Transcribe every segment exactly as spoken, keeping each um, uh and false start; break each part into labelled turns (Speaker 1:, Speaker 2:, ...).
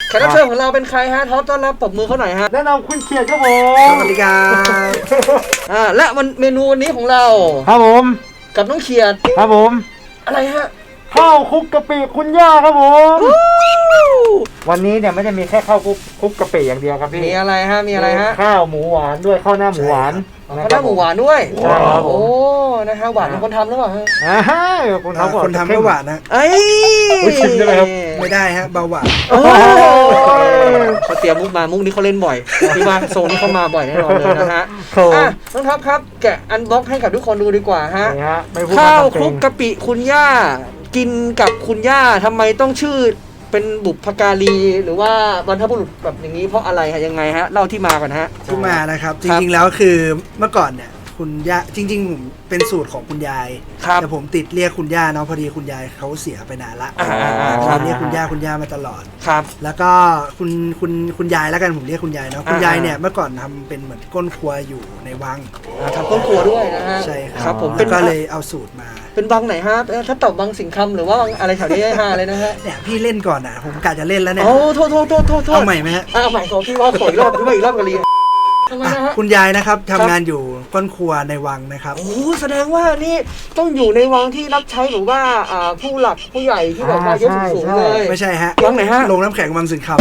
Speaker 1: แขกรับเชิญของเราเป็นใครฮะท็อปต้อนรับปรบมือเขาหน่อยฮะ
Speaker 2: แนะนำคุณเขียดครับผม
Speaker 3: สวัสดีครับ
Speaker 1: อ่าและมันเมนูวันนี้ของเรา
Speaker 2: ครับผม
Speaker 1: กับน้องเขียด
Speaker 2: ครับผม
Speaker 1: อะไรฮะ
Speaker 2: ข้าวคลุกกะปิคุณย่าครับผมวันนี้เนี่ยไม่ได้มีแค่ข้าวคลุกคลุกกะปิอย่างเดียวครับพี่
Speaker 1: มีอะไรฮะมีอะไรฮะ
Speaker 2: ข้าวหมูหวานด้วยข้าวหน้าหมูหวาน
Speaker 1: ข้าวหน้าหมูหวานด้วยโอ้นะฮะหวานเป็นคนทำหรือเปล่าฮะ
Speaker 2: อ่าคนทำ
Speaker 3: คนทำไม่หวานนะ
Speaker 1: เอ้ย
Speaker 2: ชิมได้ไหมครับ
Speaker 3: ไม่ได้ฮะเบาหวาน
Speaker 1: เขาเตรียมมุกมามุกนี้เขาเล่นบ่อยที่ว่าโซนนี้เขามาบ่อยแน่นอนเลยนะฮะอ่ะน้องท็อปครับแกะอันบ็อกให้กับทุกคนดูดีกว่าฮะข้าวคลุกกะปิคุณย่ากินกับคุณย่าทำไมต้องชื่อเป็นบุพการีหรือว่าบรรพบุรุษแบบอย่างนี้เพราะอะไรฮะยังไงฮะเล่าที่มาก่อนฮะ
Speaker 3: ที่มานะครับจริงๆแล้วคือเมื่อก่อนเนี่ยคุณย่าจริงๆผมเป็นสูตรของคุณยายแต่ผมติดเรียกคุณย่าเนาะพอดีคุณยายเขาเสียไปนานละผมเรียกคุณย่าคุณย่ามาตลอด
Speaker 1: ครับ
Speaker 3: แล้วก็คุณคุณคุณยายแล้วกันผมเรียกคุณยายเนาะคุณยายเนี่ยเมื่อก่อนทำเป็นเหมือนก้นครัวอยู่ในวัง
Speaker 1: ทำก้นครัวด้วยนะฮะ
Speaker 3: ใช่
Speaker 1: ครับผม
Speaker 3: ก็เลยเอาสูตรมา
Speaker 1: เป็นวังไหนฮะถ้าตอบวังสิงห์คำหรือว่าวังอะไรแถวนี้ฮะอะไรนะฮะ
Speaker 3: เนี่ยพี่เล่นก่อนอ่ะผมกะจะเล่นแล้วเนี่ย
Speaker 1: โอ้โทษโทษโทษโทษ
Speaker 3: เอาใหม่ไหมฮะ
Speaker 1: เอาใหม่ขอพี่ว่าขออีกรอบพี่ว่าอีกรอบกันเลย
Speaker 3: คุณยายนะครับทำงานอยู่ก้นครัวในวังนะครับ
Speaker 1: โอ้แสดงว่านี่ต้องอยู่ในวังที่รับใช้หรือว่าผู้หลักผู้ใหญ่ที่แบบว่ายศสูงเลย
Speaker 3: ไม่ใช่ฮะ
Speaker 1: วังไหนฮะ
Speaker 3: ลงน้ำแข็งวังสิงห์คำ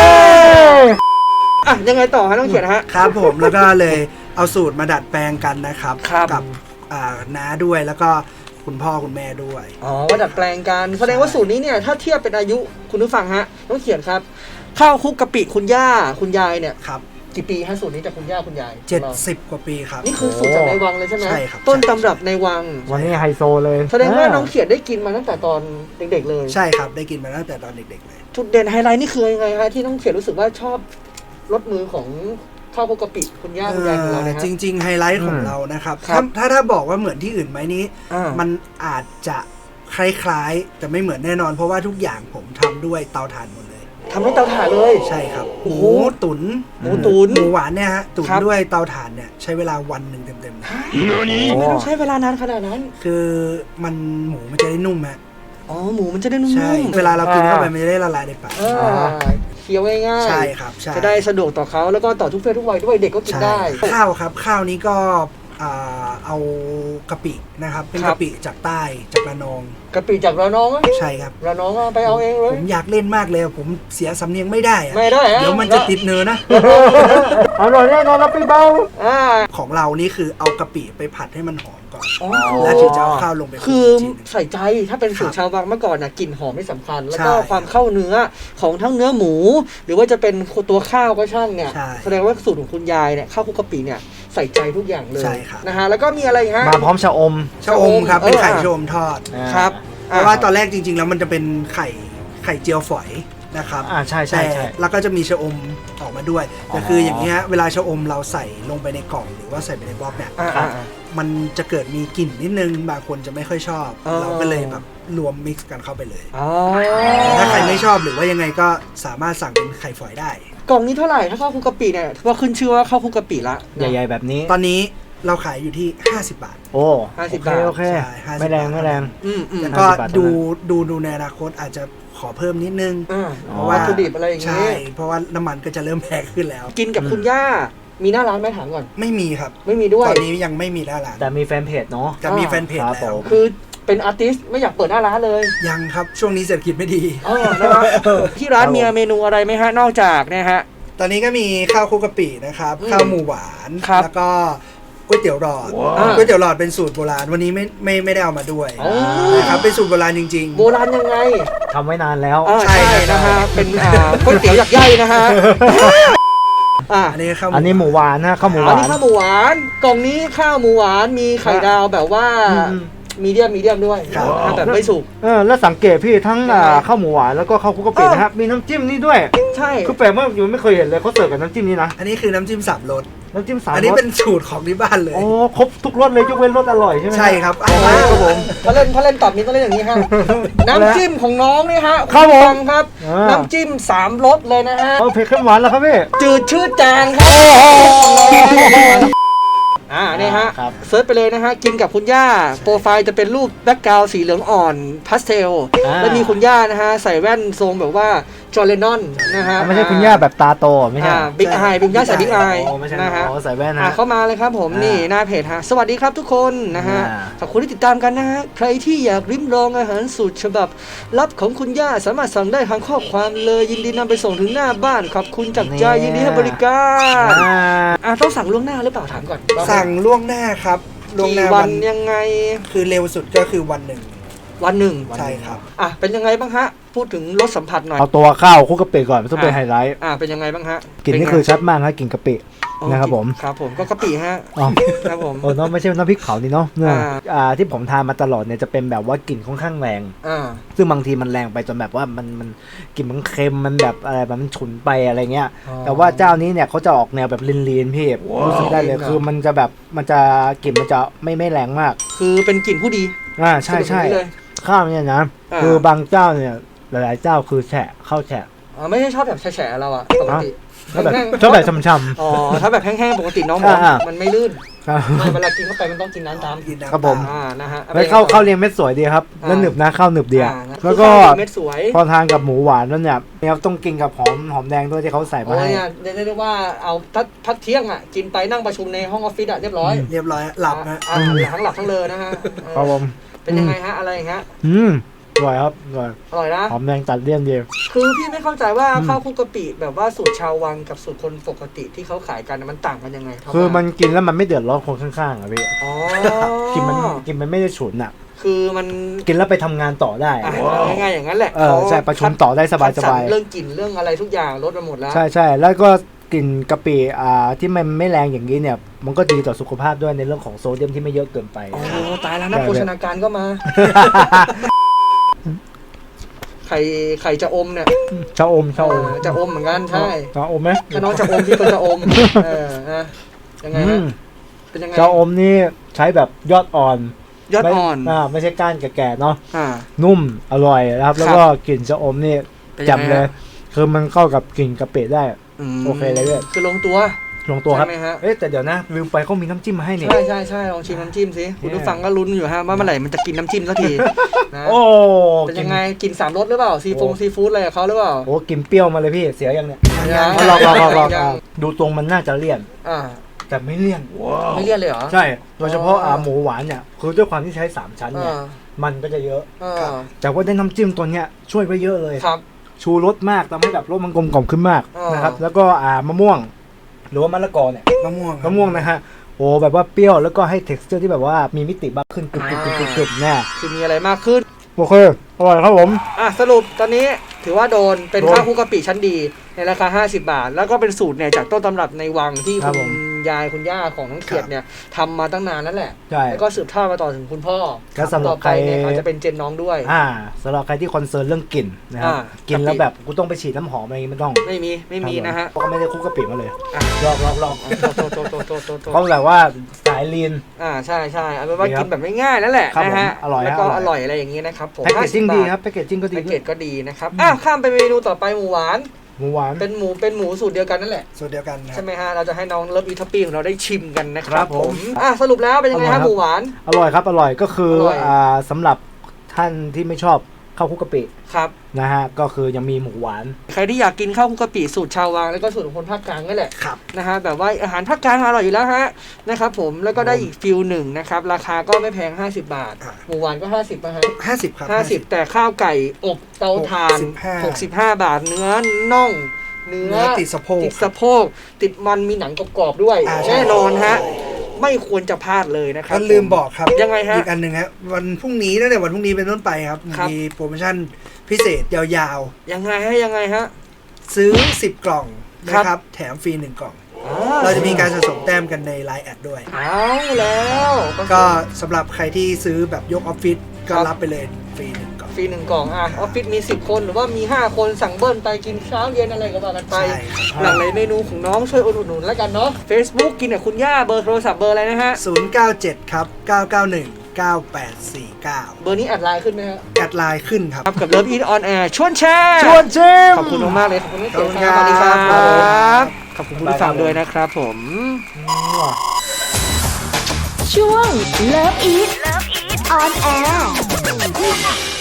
Speaker 1: อ่ะยังไงต่อฮะต้องเขียนฮะ
Speaker 3: ครับผมแล้วก็เลยเอาสูตรมาดัดแปลงกันนะครับกับน้าด้วยแล้วก็คุณพ่อคุณแม่ด้วย
Speaker 1: อ๋อมาดัดแปลงกันแสดงว่าสูตรนี้เนี่ยถ้าเทียบเป็นอายุคุณผู้ฟังฮะต้องเขียนครับข้าวคลุกกะปิคุณย่าคุณยายเนี่ย
Speaker 3: ครับ
Speaker 1: กี่ปีฮะสูตรนี้จากคุณย่าคุณยาย
Speaker 3: เจ็ดสิบกว่าปีครับ
Speaker 1: นี่คือสูตรจากในวังเลยใช่ไหม
Speaker 3: ใช่ครับ
Speaker 1: ต้นตำรับในวัง
Speaker 2: วันนี้ไฮโซเลย
Speaker 1: แสดงว่าน้องเขียนได้กินมาตั้งแต่ตอนเด็กๆเลย
Speaker 3: ใช่ครับได้กินมาตั้งแต่ตอนเด็กๆเลย
Speaker 1: จุดเด่นไฮไลท์นี่คือยังไงฮะที่น้องเขียนรู้สึกว่าชอบรสมือของข้าวคลุกกะปิคุณย่าคุณยายของเราเนี่ย
Speaker 3: จริงๆไฮไลท์ของเรานะครับถ้าถ้าบอกว่าเหมือนที่อื่นไหมนี้มันอาจจะคล้ายๆแต่ไม่เหมือนแน่นอนเพราะว่าทุกอย่างผมทำด้วยเตาถ่านหมดเลย
Speaker 1: ทำด้วยเตาถ่านเลย
Speaker 3: ใช่ครับหมูตุ๋น
Speaker 1: หมูตุ๋น
Speaker 3: หมูหวานเนี่ยฮะตุ๋นด้วยเตาถ่านเนี่ยใช้เวลาวันหนึ่งเต็มๆ
Speaker 1: ทำไมต้องใช้เวลานานขนาดนั้น
Speaker 3: คือมันหมูมันจะได้นุ่มฮะ
Speaker 1: อ๋อหมูมันจะได้นุ่ม
Speaker 3: ใช่เวลาเรากินเข้าไปมันจะได้ละลายในปาก
Speaker 1: เคี้ยวง่ายๆ
Speaker 3: ใช่ครับ
Speaker 1: จะได้สะดวกต่อเขาแล้วก็ต่อทุกเพศทุกวัยด้วยเด็กก็กินได้
Speaker 3: ข้าวครับข้าวนี้ก็เอากะปินะครับเป็นกะปิจากใต้จากระนอง
Speaker 1: กะปิจากระนอง
Speaker 3: ใช่ครับ
Speaker 1: ระนองไปเอาเองเลย
Speaker 3: ผมอยากเล่นมากเลยผมเสียสำเนียงไม่ได้
Speaker 1: ไม่ได้
Speaker 3: เดี๋ยวมันจะติดเนื้อนะ
Speaker 2: อร่อยแน่นอนเราไปเบา
Speaker 3: ของเรานี่คือเอากะปิไปผัดให้มันหอมก่อนแล้วถึงจะเอาข้าวลงไป
Speaker 1: คือใส่ใจถ้าเป็นสูตรชาววังเมื่อก่อนนะกลิ่นหอมไม่สำคัญแล้วก็ความเข้าเนื้อของทั้งเนื้อหมูหรือว่าจะเป็นตัวข้าวก็ช่างเนี่ยแสดงว่าสูตรของคุณยายเนี่ยข้าวคลุกกะปิเนี่ยใส่ใจทุกอย่างเลยนะฮะแล้วก็มีอะไรฮะ
Speaker 2: มาพร้อมชะอม
Speaker 3: ชะอมครับเป็นไข่ชะอมทอด
Speaker 1: ครับ
Speaker 3: เพราะว่าตอนแรกจริงๆแล้วมันจะเป็นไข่ไข่เจียวฝอยนะครับ
Speaker 2: อ่าใช่ใช่ใช่
Speaker 3: แล้วก็จะมีชะอมออกมาด้วยแต่คืออย่างนี้เวลาชะอมเราใส่ลงไปในกล่องหรือว่าใส่ไปในบล็อกเนี่ยมันจะเกิดมีกลิ่นนิดนึงบางคนจะไม่ค่อยชอบเราก็เลยแบบรวมมิกซ์กันเข้าไปเลยถ้าใครไม่ชอบหรือว่ายังไงก็สามารถสั่งเป็นไข่ฝอยได้
Speaker 1: กล่องนี้เท่าไหร่ถ้าข้าวคลุกกะปิเนี่ยว่าขึ้นชื่อว่าข้าวคลุกกะปิละ
Speaker 2: ใหญ่ๆแบบนี้
Speaker 3: ตอนนี้เราขายอยู่ที่ห้าสิบบาท
Speaker 2: โอ้
Speaker 1: ห้าสิบบาท
Speaker 2: โอเคไม่แรงไม่แรง
Speaker 3: แล้วก็ดูดูดูในอนาคตอาจจะขอเพิ่มนิดนึง
Speaker 1: เพราะว่าวัตถุดิบอะไรอย่าง
Speaker 3: งี้ใช่เพราะว่าน้ำมันก็จะเริ่มแพงขึ้นแล้ว
Speaker 1: กินกับคุณย่ามีหน้าร้านไหมถามก่อน
Speaker 3: ไม่มีครับ
Speaker 1: ไม่มีด้วย
Speaker 3: ตอนนี้ยังไม่มีหน้าร้าน
Speaker 2: แต่มีแฟนเพจเนาะ
Speaker 3: จะมีแฟนเพจแล้ว
Speaker 1: คือเป็นอาร์ติสต์ไม่อยากเปิดหน้าร้านเลย
Speaker 3: ยังครับช่วงนี้เศรษฐกิจไม่ดี
Speaker 1: อ๋อนะครับที่ร้านมีเมนูอะไรไหมฮะนอกจากเนี่ยฮะ
Speaker 3: ตอนนี้ก็มีข้าวคลุกกะปินะครับข้าวหมูหวานแล้วก็ก๋วยเตี๋ยวหลอดก๋วยเตี๋ยวหลอดเป็นสูตรโบราณวันนี้ไม่ไม่ไม่ได้เอามาด้วยนะครับเป็นสูตรโบราณจริง
Speaker 1: ๆโบราณยังไง
Speaker 2: ทำไว้นานแล้ว
Speaker 1: ใช่นะฮะเป็นก๋วยเตี๋ยวหยักใหญ่นะฮะ
Speaker 3: อันนี้ข้าว
Speaker 2: อันนี้หมูหวานนะข้าวหมูหวาน
Speaker 1: อันนี้ข้าวหมูหวานกล่องนี้ข้าวหมูหวานมีไข่ดาวแบบว่ามีเดียมมีเดียมด้วยแบบไม่สุก
Speaker 2: เออแล้วสังเกตพี่ทั้งข้าวหมูหวานแล้วก็ข้าวคลุกกะปินะครับมีน้ำจิ้มนี่ด้วย
Speaker 1: ใช่
Speaker 2: คือแปลกมากอยู่ไม่เคยเห็นเลยเขาเสิร์ฟกับน้ำจิ้มนี้นะ
Speaker 3: อันนี้คือน้ำจิ้มสามรส
Speaker 2: น้ำจิ้มสามรส
Speaker 3: อันนี้เป็นสูตรของที่บ้านเลย
Speaker 2: โอ้ครบทุกรสเลยยกเว้นรสอร่อยใช่ไหม
Speaker 3: ใช่ครับ
Speaker 1: ครับผมพอเล่นพอเล่นตอบนี้ต้องเล่นอย่างนี้ฮะน้ำจิ้มของน้องนี่ฮะ
Speaker 2: ครับผม
Speaker 1: ครับน้ำจิ้มสามรสเลยนะฮะ
Speaker 2: เออเผ็ดขึ้นหวานแล้วครับพี่
Speaker 1: จืดชืดจางครับอ่านี่ฮะเซิร์ชไปเลยนะฮะกินกับคุณย่าโปรไฟล์จะเป็นรูปแบ็คกราวด์สีเหลืองอ่อนพาสเทลแล้วมีคุณย่านะฮะใส่แว่นทรงแบบว่าจอร์แดนนอนนะฮะ
Speaker 2: ไม่ใช่คุณย่าแบบตาโตไม่ใช่
Speaker 1: บิ๊กไอบิ๊กย่าใส่บิ๊กไอ
Speaker 2: โอ้ไม่ใช่
Speaker 1: นะฮะ
Speaker 2: โอ้ใส่แว่น
Speaker 1: อ่ะ
Speaker 2: นะ
Speaker 1: เข้ามาเลยครับผม
Speaker 2: อ่านี่
Speaker 1: นี่หน้าเพจฮะสวัสดีครับทุกคนนะฮะ
Speaker 2: อ่า
Speaker 1: ขอบคุณที่ติดตามกันนะฮะใครที่อยากริมลองอาหารสูตรฉบับลับของคุณย่าสามารถสั่งได้ทางข้อความเลยยินดีนำไปส่งถึงหน้าบ้านขอบคุณจากใจยินดีให้บริการ
Speaker 2: อ่า
Speaker 1: อ่ะต้องสั่งล่วงหน้าหรือเปล่าถามก่อน
Speaker 3: สั่งล่วงหน้าครับล่วง
Speaker 1: กี่
Speaker 3: หน้า
Speaker 1: วั
Speaker 3: วัน น
Speaker 1: ยังไง
Speaker 3: คือเร็วสุดก็คือวันหนึ่ง
Speaker 1: วันหนึ่ง
Speaker 3: ใช่ครับ
Speaker 1: อ่ะเป็นยังไงบ้างฮะพูดถึงรสสัมผัสหน่อย
Speaker 2: เอาตัวข้าวคลุกกะปิก่อนต้องเป็นไฮไลท์
Speaker 1: อ่ะเป็นยังไงบ้างฮะ
Speaker 2: กลิ่นนี่คือชัดมากครับกลิ่นกะปิ
Speaker 1: โอ้
Speaker 2: นะครับผม
Speaker 1: ครับผมก็กะปิฮะ
Speaker 2: อ๋อ
Speaker 1: ครับผม
Speaker 2: โอ้เนาะไม่ใช่น้ำพริกเผานี่เนาะเนี่ย
Speaker 1: อ่า
Speaker 2: อ่าที่ผมทานมาตลอดเนี่ยจะเป็นแบบว่ากลิ่นค่อนข้างแรง
Speaker 1: อ่า
Speaker 2: ซึ่งบางทีมันแรงไปจนแบบว่ามันมันกลิ่นมันเค็มมันแบบอะไรแบบมันฉุนไปอะไรเงี้ย
Speaker 1: อ๋อ
Speaker 2: แต่ว่าเจ้านี้เนี่ยเขาจะออกแนวแบบลีนๆพี่รู้สึกได้เลย
Speaker 1: ลีนเหรอ
Speaker 2: คือมันจะแบบมันจะกลิ่นมันจะไม่ไม่แรงมาก
Speaker 1: คือเป็นกลิ่นผู้ดี
Speaker 2: อ่าใช่ใช่
Speaker 1: สรุปอย่างนี้เลย
Speaker 2: ข้าวเนี่ยนะ
Speaker 1: อ่า
Speaker 2: คือบางเจ้าเนี่ยหลายๆเจ้าคือแฉะข้าวแฉะ
Speaker 1: อ๋อไม่ใช่ชอบแบบแฉะๆเราอะปกติ
Speaker 2: ก็แบบ
Speaker 1: แห้งๆ
Speaker 2: ชอบแบบช่ำ
Speaker 1: อ๋อถ้าแบบแห้งๆปกติน้องบอก
Speaker 2: อ่า
Speaker 1: มันไม่ลื่น
Speaker 2: ๆครับ
Speaker 1: ไม่เวลากินเข้าไปมันต้องกินน้ำตาม
Speaker 3: กินน้ำ
Speaker 2: ครับผม
Speaker 1: อ่านะฮะ
Speaker 2: แล้วข้าวข้าวเรียงเม็ดสวยดีครับแล้วหนึบนะข้าวหนึบดีอะ
Speaker 1: อ่านะ
Speaker 2: แล้วก็
Speaker 1: คือข้าวเม็ดสวย
Speaker 2: พอทานกับหมูหวานแล้วเนี่ยเนี่ยต้องกินกับหอมหอมแดงด้วยที่เขาใส่มา
Speaker 1: โอ้ย
Speaker 2: ให้
Speaker 1: เนี่ยเรียกได้ว่าเอาพักพักเที่ยงอ่ะกินไปนั่งประชุมในห้องออฟฟิศอ่ะเรียบร้อย
Speaker 3: เรียบร้อยหลับนะ
Speaker 1: อ่าทั้งหลับทั้งเลอนะฮะเออ
Speaker 2: ครับผม
Speaker 1: เป็นยังไงฮะอะไรอย่างเงี้ย
Speaker 2: อืมอร่อยครับอร่อย
Speaker 1: อร่อยนะ
Speaker 2: หอมแดงตัดเลี่ยนดี
Speaker 1: คือพี่ไม่เข้าใจว่า
Speaker 2: อืม
Speaker 1: ข้าวคลุกกะปิแบบว่าสูตรชาววังกับสูตรคนปกติที่เขาขายกันน่ะมันต่างกันยังไงรับ
Speaker 2: คือมันกินแล้วมันไม่เดือดร้อนคนข้างๆอ่ะพี่
Speaker 1: อ๋อ
Speaker 2: กินมันกินมันไม่ได้ฉุนอ่ะ
Speaker 1: คือมัน
Speaker 2: กินแล้วไปทำงานต่อได้
Speaker 1: อ่ะง่ายๆอย่างนั้นแหละ
Speaker 2: เออใช่ประชุมต่อได้สบาย
Speaker 1: คัด
Speaker 2: ส
Speaker 1: ร
Speaker 2: บาย
Speaker 1: เรื่องกลิ่นเรื่องอะไรทุกอย่างลดมาหมดแล้ว
Speaker 2: ใช่ใช่แล้วก็กลิ่นกะปิอ่าที่มันไม่แรงอย่างนี้เนี่ย มันก็ดีต่อสุขภาพด้วยในเรื่องของโซเดียมที่ไม่เยอะเกินไป
Speaker 1: โอ้ตายแล้วนัก
Speaker 2: ใช่
Speaker 1: โภชนาการก็มา ไข่ไข่จะอมเนี่ย
Speaker 2: ชาอมชาอม
Speaker 1: เออจะอมเหมือนกันใช่
Speaker 2: ชาอมไหม
Speaker 1: ถ้าน้องจะอมพี่ก็จะอมเออนะยังไง
Speaker 2: อื
Speaker 1: ฮะ
Speaker 2: ม
Speaker 1: เป็นยังไง
Speaker 2: ชาอมนี่ใช้แบบยอดอ่อน
Speaker 1: ยอดอ่อน
Speaker 2: ไม่อ่าไม่ใช่ก้านแก่ๆเนาะ
Speaker 1: อ่า
Speaker 2: นุ่มอร่อยนะครับ แล้วก็กลิ่นชาอมนี่
Speaker 1: เป็นยังไง
Speaker 2: จำเลย
Speaker 1: ฮะ
Speaker 2: คือมันเข้ากับกลิ่นกะปิได้
Speaker 1: ม
Speaker 2: โอเคเลยเนี่ย
Speaker 1: คือลงตัว
Speaker 2: ลงตัวครับ
Speaker 1: ใช่ไหมฮะ
Speaker 2: เอ๊ะแต่เดี๋ยวนะลืมไปเขามีน้ำจิ้มมาให้เนี่ย
Speaker 1: ใช่ใช่ใช่ลองชิมน้ำจิ้มสิคุณผู้ฟังก็ลุ้นอยู่ฮะว่าเมื่อไหร่มันจะกินน้ำจิ้มสักทีนะ
Speaker 2: โอ้
Speaker 1: เป็นยังไงกินสามรสหรือเปล่าซีฟงซีฟู้ดอะไรกับเขาหรือเปล่า
Speaker 2: โอ้กลินเปรี้ยวมาเลยพี่เสียยังเนี่ย
Speaker 1: ยัง
Speaker 2: เอาลองลองลองลอง
Speaker 1: ยัง
Speaker 2: ดูตรงมันน่าจะเลี่ยน
Speaker 1: อ่า
Speaker 2: แต่ไม่เลี่ยน
Speaker 1: ไม่เลี่ยนเลยเหรอ
Speaker 2: ใช่โดยเฉพาะ
Speaker 1: อ๋ออ่
Speaker 2: อ่าหมูหวานเนี่ยคือด้วยความที่ใช้สามชั้นเนี่ย
Speaker 1: อ่า
Speaker 2: มันก็จะเยอะ
Speaker 1: อ่า
Speaker 2: แต่ว่าได้น้ำจิ้มตัวเนี้ยช่วยไปเยอะเลย
Speaker 1: ครับ
Speaker 2: ชูรสมากทำให้แบบรสมันกลมกล่อมขึ้นมาก
Speaker 1: อ่าน
Speaker 2: นะครับแล้วก็อ่ามะม่วง หรือว่ามะละกอเนี่ย
Speaker 3: มะม่วงครับ
Speaker 2: มะม่วงนะฮะโอ้แบบว่าเปรี้ยวแล้วก็ให้ texture ที่แบบว่ามีมิติมากขึ้นกรึบกรึบกรึบกรึบกรึบเนี่ย
Speaker 1: คือมีอะไรมากขึ้น
Speaker 2: โอเคอร่อยครับผม
Speaker 1: อ่ะสรุปตอนนี้ถือว่าโดนเป็น
Speaker 2: โดน
Speaker 1: ข้าวคลุกกะปิชั้นดีในราคา ห้าสิบบาท แล้วก็เป็นสูตรเนี่ยจากต้นตำรับในวังที่
Speaker 2: ครับ
Speaker 1: คุ
Speaker 2: ผม
Speaker 1: ณยายคุณย่าของน้องเขียดเนี่ยทำมาตั้งนานนั่นแหละ
Speaker 2: ใช่
Speaker 1: แล้วก็สืบทอดมาต่อถึงคุณพ่อ
Speaker 2: แล้วสำหรับ
Speaker 1: ต่อไปเนี่ย
Speaker 2: ใคร
Speaker 1: อาจจะเป็นเจนน้องด้วย
Speaker 2: อ่าสำหรับใครที่คอนเซิร์นเรื่องกลิ่นนะครับ
Speaker 1: อ่า
Speaker 2: กินแล้วแบบกูต้องไปฉีดน้ำหอมอะไรอย่างงี้ไม่ต้อง
Speaker 1: ไม่มีไม่มีนะฮะ
Speaker 2: เพราะก็ไม่ได้คลุกกะปิมาเลย
Speaker 1: อ่ะ
Speaker 2: ลองลองลอง
Speaker 1: โตโตโตโตโตโต
Speaker 2: เขาแบบว่าสายลีน
Speaker 1: อ่าใช่ใช่เอาเป็นว่า
Speaker 2: ดีครับ
Speaker 1: กินแบบง่ายๆนั่นแหละ
Speaker 2: ครับ
Speaker 1: นะฮะ
Speaker 2: ผมอร่อย
Speaker 1: แล้วก็
Speaker 2: อร่อย
Speaker 1: อร่อยอะไรอย่างนี้นะครับผม
Speaker 2: แพ็กเกจจิ้ง
Speaker 1: ห้า
Speaker 2: ดี
Speaker 1: สิบบาท
Speaker 2: ครับแพ็กเกจจิ้งก็ดี
Speaker 1: แพ็ก
Speaker 2: ด้
Speaker 1: เก
Speaker 2: วย
Speaker 1: จก็ดีนะครับอ่ะข้ามไปเมนูต่อไปหมูหวาน
Speaker 2: หมูหวาน
Speaker 1: เป็นหมูเป็นหมูสูตรเดียวกันนั่นแหละ
Speaker 3: สูตรเดียวกันครั
Speaker 1: ใช่
Speaker 3: บ
Speaker 1: ไหมฮะ เราจะให้น้องเลิฟอีท็อปปี้ของเราได้ชิมกันนะค
Speaker 2: ค
Speaker 1: รั
Speaker 2: รั
Speaker 1: บบ ผ
Speaker 2: ผม ม
Speaker 1: อ่ะสรุปแล้วเป็นยังไง
Speaker 2: อร่อยครั
Speaker 1: ฮะ
Speaker 2: บ
Speaker 1: หมูหวาน
Speaker 2: อร่อยครับอร่อยก็คือ
Speaker 1: ร่อย
Speaker 2: อ่าสำหรับท่านที่ไม่ชอบข้าวคลุกกะปิ
Speaker 1: ครับ
Speaker 2: นะฮะก็คือยังมีหมูหวาน
Speaker 1: ใครที่อยากกินข้าวคลุกกะปิสูตรชาววังแล้วก็สูตรของคนภาคกลางนั่นแหละ
Speaker 3: ครับ
Speaker 1: นะฮะแบบว่าอาหารภาคกลางอร่อยอยู่แล้วฮะนะครับผมแล้วก็ได้อีกฟิลหนึ่งนะครับราคาก็ไม่แพงห้าสิบบาท
Speaker 3: อ่ะ
Speaker 1: หมูหวานก็ห้าสิบนะฮะ
Speaker 3: ห้าสิบครับ
Speaker 1: ห้าสิบแต่ข้าวไก่อบเตาถ่าน
Speaker 3: ห
Speaker 1: ห
Speaker 3: ก
Speaker 1: ก
Speaker 3: สิ
Speaker 1: สิ
Speaker 3: บบ ห้า
Speaker 1: ห้าบาทเนื้อน่องเนื้อ
Speaker 3: เนื้อติดสะโพก
Speaker 1: ติดสะโพกติดมันมีหนังกรอบๆด้วย
Speaker 3: อ่าใช่
Speaker 1: แน่นอนฮะไม่ควรจะพลาดเลยนะครั
Speaker 3: ก็ลืมบอกครับ
Speaker 1: ยังไงฮะ
Speaker 3: อีกอันหนึ่งครับวันพรุ่งนี้ตั้งแต่วันพรุ่งนี้เป็นต้นไปครับ
Speaker 1: ครับ
Speaker 3: มีโปรโมชั่นพิเศษยาว
Speaker 1: ยังไงฮะยังไงฮะ
Speaker 3: ๆ ซื้อสิบกล่อง
Speaker 1: ครั
Speaker 3: นะ
Speaker 1: บ
Speaker 3: ครับแถมฟรีหนึ่งกล่อง
Speaker 1: อ่
Speaker 3: เราจะมีการสะสมแต้มกันใน ไลน์ แอดด้วย
Speaker 1: เอาแล้ว
Speaker 3: ก็สำหรับใครที่ซื้อแบบยกออฟฟิศก็
Speaker 1: ครับ
Speaker 3: รับไปเลยฟรีหนึ่งกล่อง
Speaker 1: ฟรีหนึ่งกล่องอ่ะออฟฟิศมีสิบคนหรือว่ามีห้าคนสั่งเบิ้ลไปกินเช้าเย็นอะไรก็ว่ากันไป
Speaker 3: ใช่ครับ
Speaker 1: หลากหลายเมนูของน้องช่วยอุดหนุนแล้วกันเนาะ Facebook กินกับคุณย่าเบอร์โทรศัพท์เบอร์อะไรนะฮะ
Speaker 3: ศูนย์เก้าเจ็ดครับเก้าเก้าหนึ่งเก้าแปดสี่เก้า
Speaker 1: เบอร์นี้แอดไลน์ขึ้นไหมฮะ
Speaker 3: แอดไลน์ขึ้นครับ
Speaker 1: ครับกับ Love Eat On Air ชวนแชร์
Speaker 2: ชวนชิม
Speaker 1: ขอบคุณมากๆเลยขอบคุณที่
Speaker 3: ขอบ
Speaker 1: เสี
Speaker 3: คุ
Speaker 1: ย
Speaker 3: ณ
Speaker 1: ง
Speaker 3: ครับ
Speaker 1: สวัสดีครับ
Speaker 3: ครับ
Speaker 1: ขอบคุณผู้ฟังด้วยนะครับผม
Speaker 4: ช่วง Love Eat On Air